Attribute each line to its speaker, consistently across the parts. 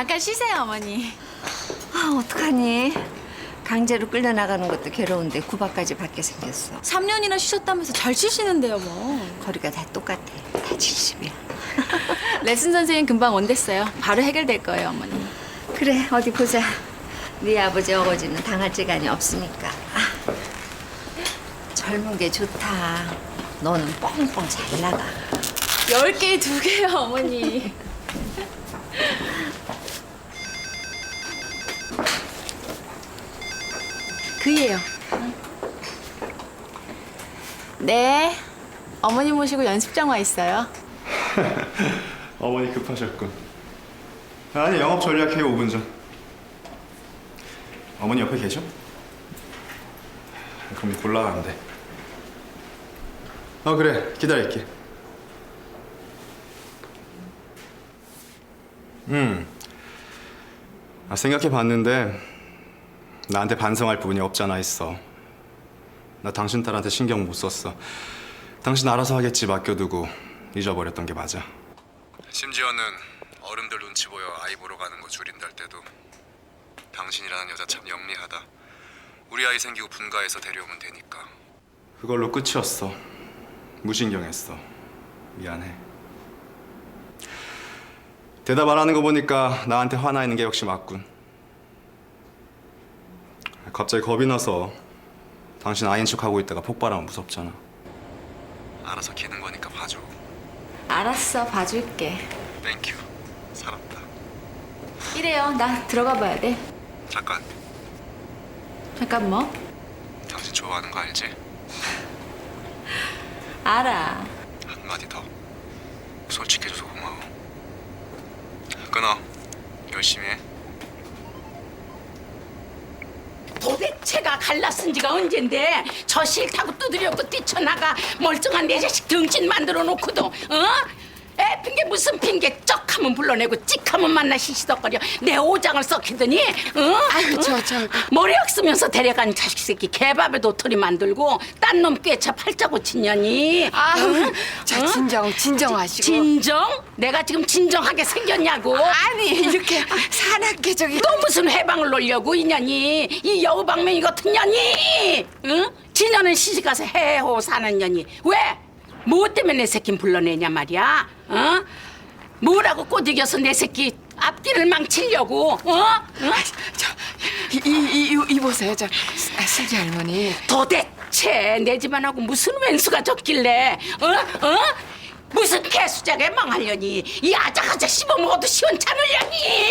Speaker 1: 잠깐 쉬세요, 어머니.
Speaker 2: 아, 어떡하니? 강제로 끌려나가는 것도 괴로운데 구박까지 받게 생겼어.
Speaker 1: 3년이나 쉬셨다면서 잘 치시는데요, 뭐.
Speaker 2: 거리가 다 똑같아. 다 70이야.
Speaker 1: 레슨 선생님 금방 온댔어요. 바로 해결될 거예요, 어머니.
Speaker 2: 그래, 어디 보자. 네 아버지 어거지는 당할 재간이 없으니까. 아, 젊은 게 좋다. 너는 뻥뻥 잘 나가.
Speaker 1: 10개에 2개요, 어머니. 그이에요. 네. 어머니 모시고 연습장 와 있어요.
Speaker 3: 어머니 급하셨군. 아니, 영업 전략회의 5분 전. 어머니 옆에 계셔? 그럼 곤란한데. 그래, 기다릴게. 생각해봤는데 나한테 반성할 부분이 없잖아 있어. 나 당신 딸한테 신경 못 썼어. 당신 알아서 하겠지 맡겨두고 잊어버렸던 게 맞아. 심지어는 어른들 눈치 보여 아이 보러 가는 거 줄인다 할 때도 당신이라는 여자 참 영리하다. 우리 아이 생기고 분가해서 데려오면 되니까. 그걸로 끝이었어. 무신경했어. 미안해. 대답 안 하는 거 보니까 나한테 화나 있는 게 역시 맞군. 갑자기 겁이 나서 당신 아인 척하고 있다가 폭발하면 무섭잖아. 알아서 기는 거니까 봐줘.
Speaker 1: 알았어, 봐줄게.
Speaker 3: 땡큐. 살았다.
Speaker 1: 이래요, 나 들어가 봐야 돼.
Speaker 3: 잠깐.
Speaker 1: 잠깐 뭐?
Speaker 3: 당신 좋아하는 거 알지?
Speaker 1: 알아.
Speaker 3: 한마디 더. 솔직해줘서 고마워. 끊어. 열심히 해.
Speaker 4: 도대체가 갈라쓴 지가 언젠데 저 싫다고 두드려고 뛰쳐나가 멀쩡한 내 자식 등신 만들어 놓고도 애 핑계 무슨 핑계 쩍하면 불러내고 찍하면 만나 시시덕거려 내 오장을 썩히더니
Speaker 5: 아이고 저
Speaker 4: 머리약 쓰면서 데려간 자식 새끼 개밥에 도토리 만들고 딴 놈 꿰차 팔자 고친 년이
Speaker 5: 아우 자 진정하시고
Speaker 4: 진정? 내가 지금 진정하게 생겼냐고
Speaker 5: 아니 이렇게 사납게 저기
Speaker 4: 또 무슨 해방을 놓으려고 이 년이 이 여우방맹이 같은 년이 응? 지년은 시집가서 사는 년이 왜? 뭐 때문에 내 새끼 불러내냐 말이야 어? 뭐라고 꼬드겨서 내 새끼 앞길을 망치려고 어? 응?
Speaker 5: 이 보세요 저 슬기 할머니
Speaker 4: 도대체 내 집안하고 무슨 왼수가 졌길래 무슨 개수작에 망하려니 이 아작아작 씹어먹어도 시원찮으려니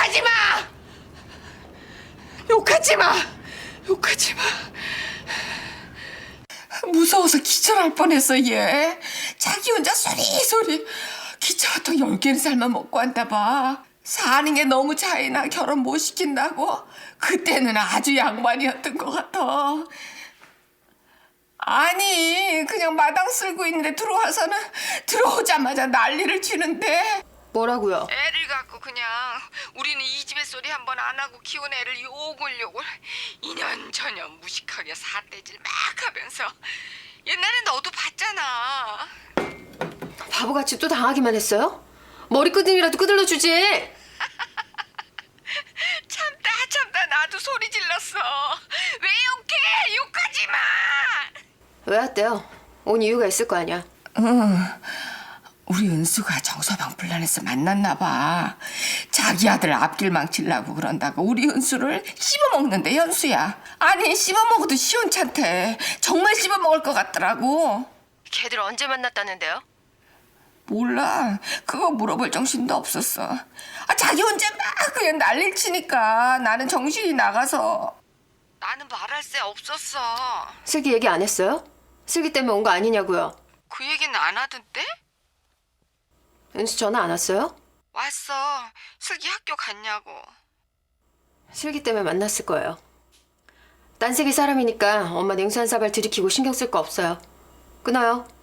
Speaker 5: 욕하지 마 무서워서 기절할 뻔했어 얘 자기 혼자 소리 기차 같은 10개는 살만 먹고 한다 봐 사는 게 너무 차이나 결혼 못 시킨다고 그때는 아주 양반이었던 것 같아 아니 그냥 마당 쓸고 있는데 들어오자마자 난리를 치는데
Speaker 6: 뭐라고요?
Speaker 5: 애를 갖고 그냥 우리는 이 집의 소리 한 번 안 하고 키운 애를 요골 이년저년 무식하게 사대질 막 하면서 옛날에 너도 봤잖아
Speaker 6: 바보같이 또 당하기만 했어요? 머리끄댕이라도 끄들러 주지.
Speaker 5: 참다 나도 소리 질렀어 왜 욕해 욕하지 마
Speaker 6: 왜 왔대요? 온 이유가 있을 거 아니야.
Speaker 5: 우리 은수가 정서방 불란해서 만났나 봐. 자기 아들 앞길 망치려고 그런다고 우리 은수를 씹어먹는데 현수야. 아니 씹어먹어도 시원찮대. 정말 씹어먹을 것 같더라고.
Speaker 6: 걔들 언제 만났다는데요?
Speaker 5: 몰라. 그거 물어볼 정신도 없었어. 자기 혼자 막 그냥 난리를 치니까 나는 정신이 나가서. 나는 말할 새 없었어.
Speaker 6: 슬기 얘기 안 했어요? 슬기 때문에 온 거 아니냐고요.
Speaker 5: 그 얘기는 안 하던데?
Speaker 6: 은수 전화 안 왔어요?
Speaker 5: 왔어. 슬기 학교 갔냐고.
Speaker 6: 슬기 때문에 만났을 거예요. 딴 세계 사람이니까 엄마 냉수한 사발 들이키고 신경 쓸 거 없어요. 끊어요.